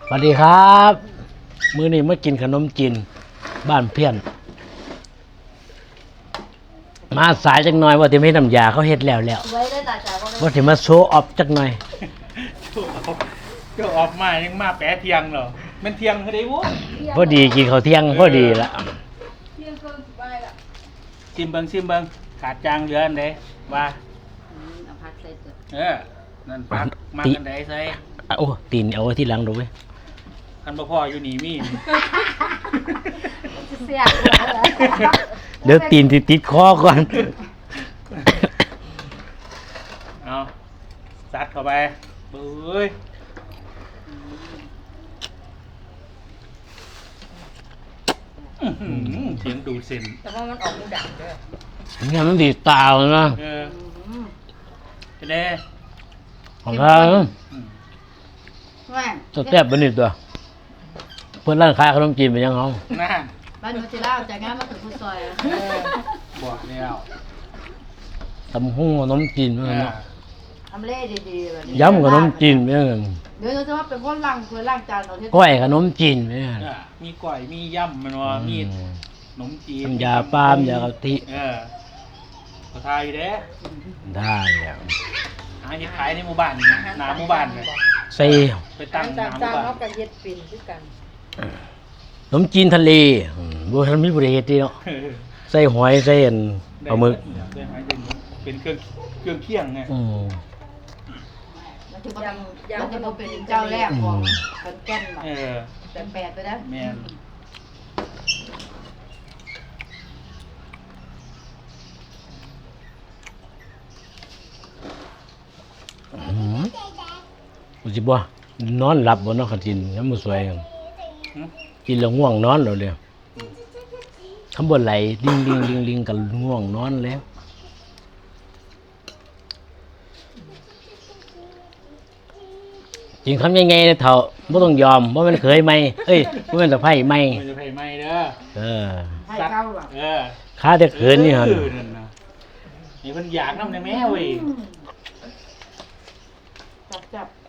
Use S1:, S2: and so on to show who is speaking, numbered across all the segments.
S1: สวัสดีครับมื้อนี้มากินขนมจีนบ้านเพี้ยนมาสายจักหน่อยว่าที่ไม่น้ำยาเขาเฮ็ดแล้วว่าที่มาโชว์ออฟจักหน่อย
S2: ก็ออกมายังมาแปะเทียงเหรอมันเทียงเขาได้วุ้
S1: พอดีกินข้าวเที่ยงพอดีละ
S2: ชิมเบิงขาดจางเหลืออันใดว่า
S3: เอาพักใส่ตัว
S2: นั่นปักมากันใดใส่
S1: โอ้ตีนเอาไว้ที่หลังดูเว้ย
S2: คันบ่พออยู่นี่มี
S3: เสีย
S1: เดี๋ยวตีนติดคอก่อน
S2: เอาซัดเข้าไปเบ้ยเสียงดูดเส้น
S3: แต่ว่ามันออกมูดังด้วย
S1: งั้นมันดีตาเลยนะ
S2: จะได้
S1: ของเราจะแทบบันนี่ตัวเพื่อนร้านขายขนมจีนไปยังเขา
S2: น่า
S3: บ้านนูจิล่าจากงานมาถึงคุณซอย
S2: บอกแล้ว
S1: ตำหุ้งขนมจีนเหมือนกัน
S3: ทำเล่ดีๆแบบนี้
S1: ย้ำขนมจีนเหมือนกัน
S3: เดี๋ยวจะว่าเป็นคนล่างจานเราที่
S1: ก้อยขนมจีนเหมือนกัน
S2: มีก้อยมีย่ำมันว่ามีขนมจีน
S1: ยาปามยากะทิ
S2: ก็ทายอยู่เด้
S1: ได้แล้ว
S2: หาเห็ดขายในหมู่บ้านหน้าหมู่บ้านเลย
S1: ใส่
S2: ไปตั้งหน้าหมู่บ้าน
S3: เขากับเห็ดปิ่นด้วยกัน
S1: ขนมจีนทะเลบัวทันมีบริเวณที่เนาะใส่หอยใส่ปลาหมึก
S2: เป็นเครื่องเคียงไง
S3: มันจะเป็นเจ้าแรกของคนแก่นแบบแปดไปแล้ว
S2: แม่
S1: กูจิบ่นอนหลับบ่เนาะคันกินน้ำมันสวยกินแล้วง่วงนอนแล้วเลยคำบ่ไหลลิงกันง่วงนอนแล้วจริงคำยังไงเนี่ยเถ่าบ่ต้องยอมบ่แม่นเคยไหมเอ้ยบ่แม่นสะไผไหม
S2: จะไผไหมเด้อ
S3: ให้เข้าหรอ
S1: ข้าแต่เขินนี่หั่น
S2: นี่เพิ่นอยากนำได้แม่เว้ย
S3: จับ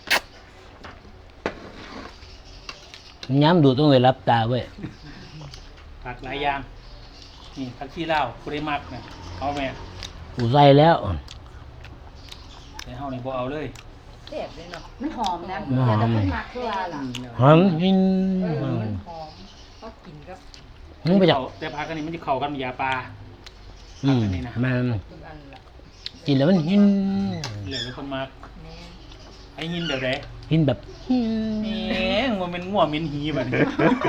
S1: ย้ำดูต้องเลยรับตาเว้ย
S2: ผักหลายอย่างนี่ผักชีลาวผู้ใดมักเนี่ยเอาแม่
S1: กูใส่แล้ว
S2: แต่เฮานี่บ่เอาเลย
S3: เจ็บเลยเนาะมันหอมนะอย่าจะขึ้นมาคืออะไรล่ะ
S1: หอมกิน
S3: มันหอมก็กินกับ
S1: มึงไปจับ
S2: แต่ผักอันนี้มันจะเข้ากันยาปลา
S1: อันนี้นะมันกินแล้วมันหิน
S2: เหลือคนมักไอ้หินเดี๋ยวไหน
S1: หินแบบ
S2: มันเป็นง่วเหม็นหีแบบนี้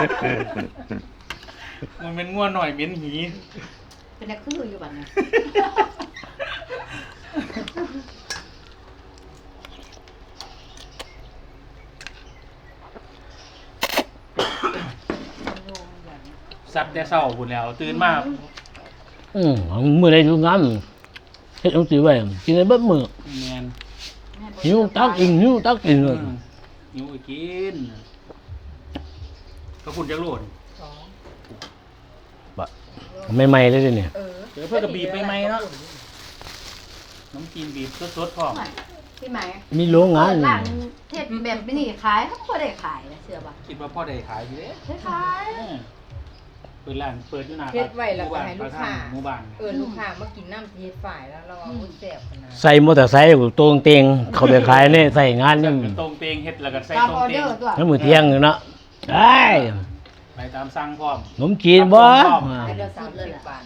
S2: มันเป็นง่วหน่อยเหม็นหี
S3: เป็นนักคืออยู่แบบนี้
S2: ซัดแต่เช้าพุ่นแล้วตื่นมา
S1: มื้อใดอยู่งานเฮ็ดจังซี่ไว้กินได้เบิดมื้อ
S2: แม่น
S1: หิวตักกินเลย
S2: หิวไปกินก็คุณจักโลด
S1: ใหม่ๆเลยเนี่ย
S2: เดี๋ยวเพื่อกระบีบใหม่ๆเนาะน้ำจีนบีบสดๆพร้อม
S3: พี่ไหม
S1: มีโรงงาน
S3: ร้านเทศแบบนี้ขายเขาก็ได้ขายเชื่อป่ะ
S2: คิดว่าพ่อได้ขายอยู่เด้
S3: ขาย
S2: เปิดร้านเปิดอยู่หน้า
S4: เฮ็ดไว้แล้วก็ให้ลูกค้า
S2: หมู่บ้าน
S4: ลูกค้ามากินน้ำเฮ็ดฝ่ายแล้วเราเอาแซ่บขนาด
S1: ใส่มอเตอร์ไซค์ตรงเตียงเขาไปขายนี่ใส่งานนี่
S2: ตรงเตียงเฮ็ดแล้วก็ใส่ตรงเตียง
S1: แล้วมื้อเที่ยงเนาะได้
S2: ไปตามสั่งพร้อม
S1: ขนมจีนบ่
S3: เดี๋ยว30 บาท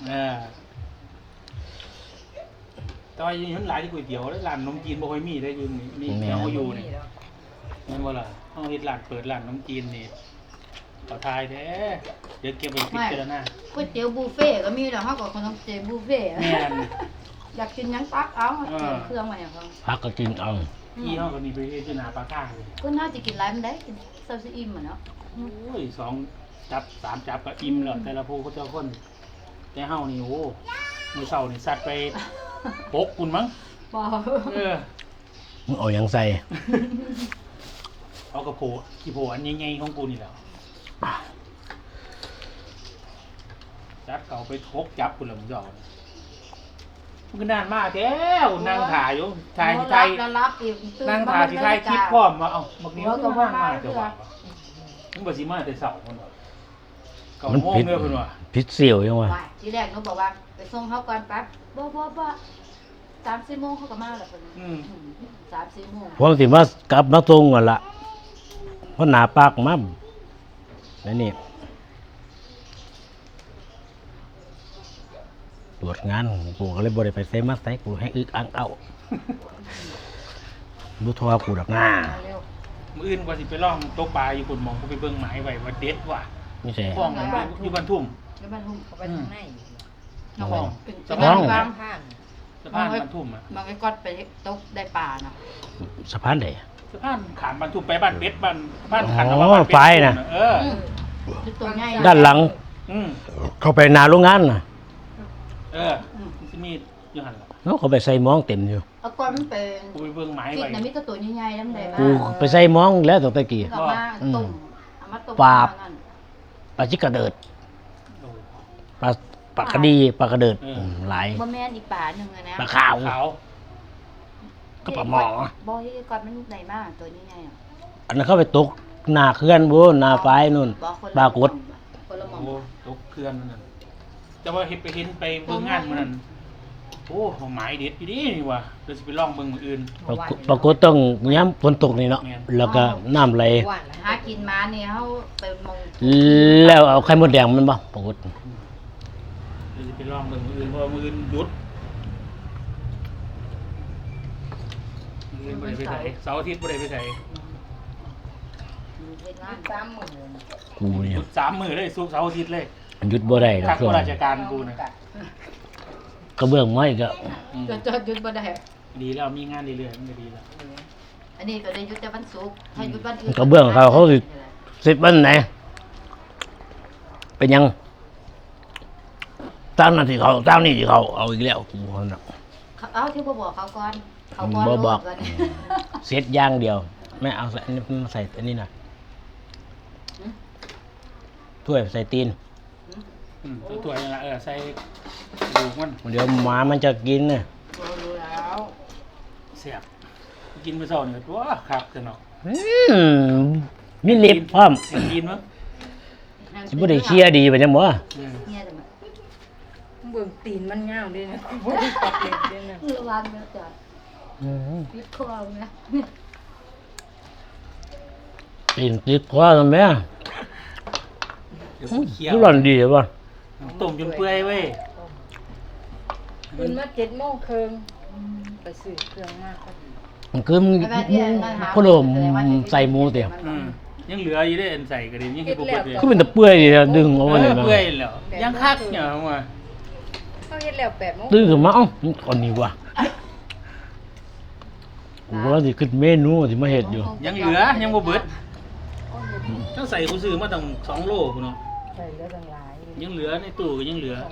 S2: แต่ว่ายังหลายที่ก๋วยเตี๋ยวแล้วร้านขนมจีนบ่ค่อยมีได้อยู่นี่แถวอยู่นี่แม่นบ่ล่ะเฮาเฮ็ดร้านเปิดร้านขนมจีนนี่ต่อทายแท้เดี๋ยวเก็บไปพิจารณา
S3: ก๋วยเตี๋ยวบุฟเฟ่ก็มีแล้วเฮาก็ขนมจีนบุฟเฟ่อยากกินหยังตักเอาเตรียมเครื่องไว้ให้เขา
S1: พักก็กินเอา
S2: พี่เฮาก็นี่ไปเฮ็ดอยู่หน้าปากทางเลย
S3: เพิ่นน่าสิกินหลายมันได้กินเซาซิอิ่มอ่ะเนาะ
S2: โอ้ย2จับ3จับก็อิ่มแล้วแต่ละผู้เขาเจ้าคนแต่เฮานี่โอ้มื้อเช้านี่ซัดไป6คุณมั้ง
S3: บ่
S1: มึงเอาหยังใส่
S2: เอากระโผขี้โผอันใหญ่ๆของกูนี่แหละจับเก่าไปทกจับคุณละมึงจะเอามันก็นานมากแล้วนั่งถ่ายอยู่ถ่ายที่ไทย
S3: แล้วรับอีกตื่
S2: นั่งถ่ายที่ไทยคลิปพร้อมมาเอาบักนิ้วก็ว่างมาจะว่ามึงบ่สิมาแต่เช้าพุ่นว่าเก้าโมงเด้อเพิ่นว่า
S1: พิษเสี่ยวยังวะ
S3: ว่าทีแรกหนูบอกว่าไปส่งเขาก่อนแป๊บบ่3-4 โมงเขาก็มาแล้วเพิ่น3-4 โมง
S1: ผมสิมากลับมาตรงก่อนละเพราะหนาปากมั่มนี่ตรวจงานกูก็เลยบ่ได้ไปเซมัสไซกูให้อึกอังเอาบุทวกูดักหน้า
S3: เร็ว
S2: มื้ออื่นกว่าสิไปล่องตกปลาอยู่พุ่นมองกูไปเบิ่งหมายไว้ว่าเด็ดว่ะ
S1: นี่ใช่
S2: ฟ้องมันอยู่บ้านทุ่ม
S3: แล้วบ้านลุง
S4: เขาไปทางไหน
S3: เอาไปเป็น
S2: สะ
S3: บ้า
S2: พาน
S3: นบาง
S4: ข้าง
S2: สะพานบ้านทุ่มอ่ะ
S3: บางไอ้ก๊อตไปตกได้ปลาน่ะ
S1: สะพานไหน
S2: สะพานขามบ้านทุ่มไปบ้านเป็ดบ้านขัน
S1: อ๋อ
S2: ว่าบ้านเป็ด
S1: ไฟน่ะ
S2: เออ
S3: คือตัวใหญ่
S1: ด้านหลัง
S2: อืม
S1: เข้าไปนาโรงงานน่ะ
S2: เออมันสิมีอยู่หั่นล่ะ
S1: เนาะเขาไปใส่หมองเต็มอยู่
S3: เอาก้อนมันเป็น
S2: กูไปเบิ่งหมาย
S3: ฟิต
S2: ไว้
S3: น่ะมีแต่ตัวใหญ่ๆนำได้บ้า
S1: กูไปใส่หมองแล้วตั้งแต่กี้
S3: ก็มาต้มเอามาต้ม
S1: ปลา
S3: นั่น
S1: ปลาจิกกระเดิด
S2: โอ้
S1: ปลากระดีปลากระเดิดหลาย
S3: บ่แม่นอีกปลาหนึงอะนะ
S1: ปลาขาว
S2: ขาว
S1: ก็ปลาหมอ
S3: บ่ที่ก้อนมันได้มากตัวใหญ่ๆอ่ะ
S1: อันนั้นเข้าไปตกหน้าเคลื่อนบ่หน้าไฟนู่น
S3: บ่คน
S1: ป
S3: ละ
S1: ลากด
S3: คนละหม่อง
S2: โอ้ตกเคลื่อนนั่นแต่ว่าเห็นไปเบิ่งงานมื้อนั้นโอ้หมายเด็ดอยู่ดีนี่ว่ะเดี๋ยวสิไปลองเบิ่งมื้ออื่น
S1: ปรากฏต้องย้ำฝนตกนี่เนาะ
S2: แม่น
S1: แล้วก็น้ำไหล
S4: หวานแล้ว
S3: หากินมาเนี่ยเฮาไปมอง
S1: แล้วเอาไข่มดแดงมันบ่ปรากฏ
S2: เดี๋ยวสิไปลองเบิ่งมื้ออื่นเพราะว่ามื้ออื่นหยุดมื้ออื่นบ่ได้ไปไสเสาร์อาทิตย์บ่ได้ไปไส
S3: เฮ็ดงาน
S4: 30,000
S1: กูเนี่
S2: ห
S1: ย
S2: ยุด3มื้อเลยศุกร์เสาร์อาทิตย์เลย
S1: หยุดบ่ได้ดอก
S2: ทัก
S1: ช่วง
S2: ราชการกูนะ
S1: กระเบื้องไม้ก็
S2: อืม
S3: ก็จอดหยุดบ่ได้
S2: ดีแล้วมีงานเรื่อยๆมันก็ดีแล้ว
S3: อันนี้ก็ได้หยุดแต่วันศุกร์ถ้าหยุดวันอื่น
S1: กระเบื้องเขาสิ10วันไหนเป็นยังตามนั้นที่เขาตามนี่ที่เขาเอาอีกแล้วกูว่าน่ะ
S3: เอาที่บ่บอกเขาก่อนเขาก่อน
S1: บ่บอก
S3: โลดก่อน
S1: เซตอย่างเดียวแม่เอาใส่อันนี้มาใส่อันนี้หน่อยถ้วยใส่ตีน
S2: ตัวๆนั่นล่ะใส่ดูกมัน
S1: เดี๋ยวหมามันจะกินน่ะ
S3: รู้แล้ว
S2: แซ่บกินมื้อเช้านี่ก็ตัวคักจังเนาะ
S1: มีเล็บพร้อม
S2: กินมั้ง
S1: สิบ่ได้เชียร์ดีไปจังบ่
S3: เนี่ยแต่มัน
S4: เบิ่งตีนมันยาวด้วยนะบ่ได้ตัดเล็บด้วยนะ
S3: ระวังนะจ๊ะพิษคอนะ
S1: ตีนติดคอทำไม
S2: เดี๋ยวกูเคี่ยว
S1: คือร้อนดีป่ะ
S2: ต้มจนเปื่อยเว้ย
S4: ตื่นมา7:30นไปซื้อเครื่องมากพอดี
S1: มันคือมึงพะโลมใส่หมูเตียว
S2: ยังเหลืออยู่เด้อันใส่ก็ดียังเฮ็ดบ่เบิดเลย
S1: คือเป็นตะเปื่อยดีนะดึงเอาไว้เลย
S2: เปื่อยแล้วยังคักเนี่ยว่า
S4: เขาเฮ็ดแล้ว8:00น
S1: ตื่นขึ้นมาเอ้ามันก่อนนี้ว่ะกูว่าสิขึ้นเมนูสิมาเฮ็ดอยู่
S2: ยังเหลือยังบ่เบิดต้องใส่กูซื้อมาตั้ง2โลพุ่นเนาะ
S4: ใส่เหลือตั้งหลาย
S2: ยังเหลือในตู้ก็ยังเหลือ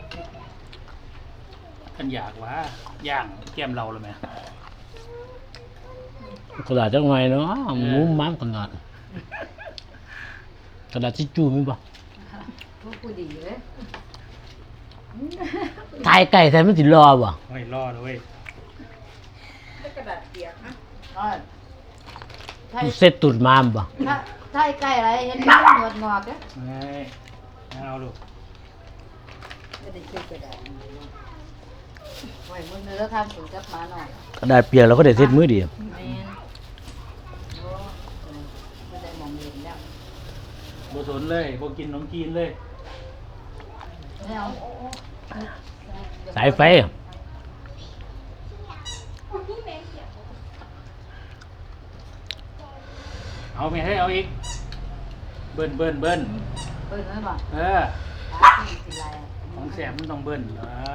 S2: กันอยากว่าย่างแก้มเราเลยไหม
S1: กระดาษจังไงเนาะหมูม้ามขนาดกระดาษทิชชู่มีบ่
S3: พวกกูดีเลย
S1: ทายไก่ใส่มันสิรอบ่
S2: ไม่รอดเลยเว้ย
S4: แล้วกระดาษเปียกนะ
S3: ถ้า
S1: เซ็ตตุดมามบ่
S3: ถ้าใกล้อะไรเห็นมันงอดงอกๆอ่ะ
S2: ไม่เอาลูก
S4: ไม่ได้ซื้อกระดาษ
S3: ไว้มึงเนื้อทำสูตรกับมาหน่อย
S1: กระดาษเปียกเราก็ได้เซ็ตมือเดียว
S3: แม่นโอ้ไม่ได้มองเห็นแล้ว
S2: บ่สนเลยบ่กินขนมจีนเลย
S3: ไม่เอา
S1: สายไฟ
S2: เอาไม่ให้เอาอีกเบิ้น
S3: เปิดเลยบ่
S2: เออ
S3: ตาที่สิไรอ่ะ
S2: ของแสบมันต้องเบิ้น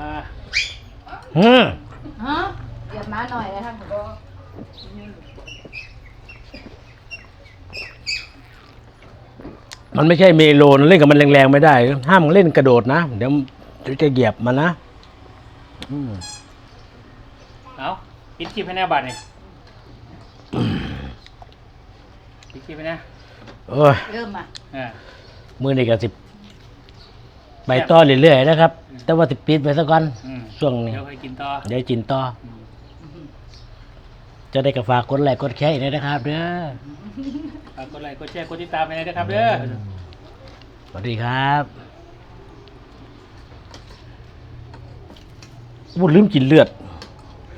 S3: ฮะเดี๋ยวมาหน่อยแล้วท่านผมก็
S1: มันไม่ใช่เมโลนเล่นกับมันแรงๆไม่ได้ ห้ามเล่นกระโดดนะ เดี๋ยวจะเหยียบมันนะอืม
S2: เอาปิดคลิปให้แน่บัดนี่ปิดคลิปให้แน่
S1: โอ้ย
S3: เริ่มอ่ะ
S2: อ่า
S1: มือนี่ก็สิไปต่อเรื่อยๆนะครับ แต่ว่าสิปิดไปซะก่อน
S2: อืม
S1: ช่วงนี้
S2: เดี๋ยวค่อยกินต่อ
S1: เดี๋ยวกินต่อ จะได้กระฝากกดไลค์กดแชร์อีกนะครับเด้อ
S2: ฝากกดไลค์กดแชร์กดติดตามไปเลยนะครับเด้อ
S1: สวัสดีครับพูดลืมกินเลือด